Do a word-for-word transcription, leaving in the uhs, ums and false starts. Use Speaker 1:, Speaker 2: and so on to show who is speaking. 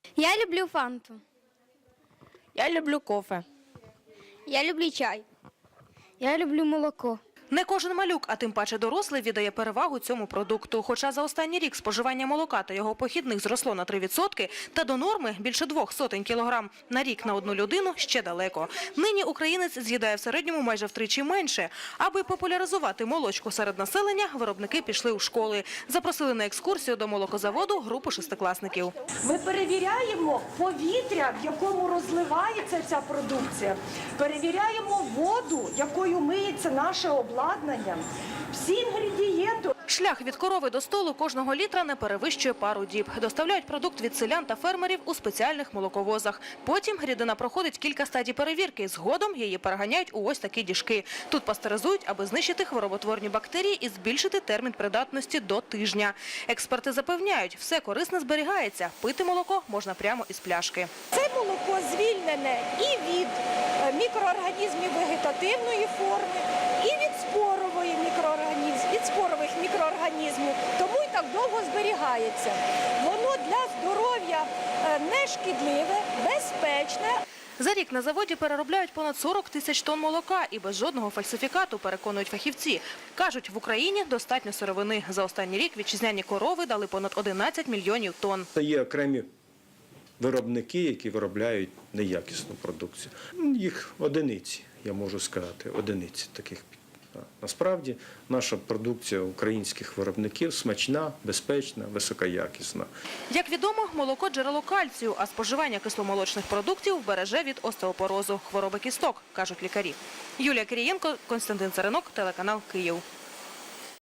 Speaker 1: Я люблю фанту.
Speaker 2: Я люблю кофе.
Speaker 1: Я люблю чай. Я люблю молоко.
Speaker 3: Не кожен малюк, а тим паче дорослий, віддає перевагу цьому продукту. Хоча за останній рік споживання молока та його похідних зросло на три відсотки, та до норми більше двох сотень кілограм на рік на одну людину ще далеко. Нині українець з'їдає в середньому майже втричі менше. Аби популяризувати молочку серед населення, виробники пішли у школи. Запросили на екскурсію до молокозаводу групу шестикласників.
Speaker 4: Ми перевіряємо повітря, в якому розливається ця продукція. Перевіряємо воду, якою миється наше обладнання. Всі інгредієнти.
Speaker 3: Шлях від корови до столу кожного літра не перевищує пару діб. Доставляють продукт від селян та фермерів у спеціальних молоковозах. Потім рідина проходить кілька стадій перевірки. Згодом її переганяють у ось такі діжки. Тут пастеризують, аби знищити хвороботворні бактерії і збільшити термін придатності до тижня. Експерти запевняють, все корисне зберігається. Пити молоко можна прямо із пляшки.
Speaker 4: Це молоко звільнене і від мікроорганізмів вегетативної форми, і від спорової мікроорганізмів, від спорових мікроорганізмів. Тому і так довго зберігається. Воно для здоров'я не шкідливе, безпечне.
Speaker 3: За рік на заводі переробляють понад сорок тисяч тонн молока і без жодного фальсифікату, переконують фахівці. Кажуть, в Україні достатньо сировини. За останній рік вітчизняні корови дали понад одинадцять мільйонів тонн.
Speaker 5: Є окремі виробники, які виробляють неякісну продукцію. Їх одиниці, я можу сказати, одиниці таких. Насправді, наша продукція українських виробників смачна, безпечна, високоякісна.
Speaker 3: Як відомо, молоко – джерело кальцію, а споживання кисломолочних продуктів береже від остеопорозу, хвороби кісток, кажуть лікарі. Юлія Кирієнко, Костянтин Царинок, телеканал «Київ».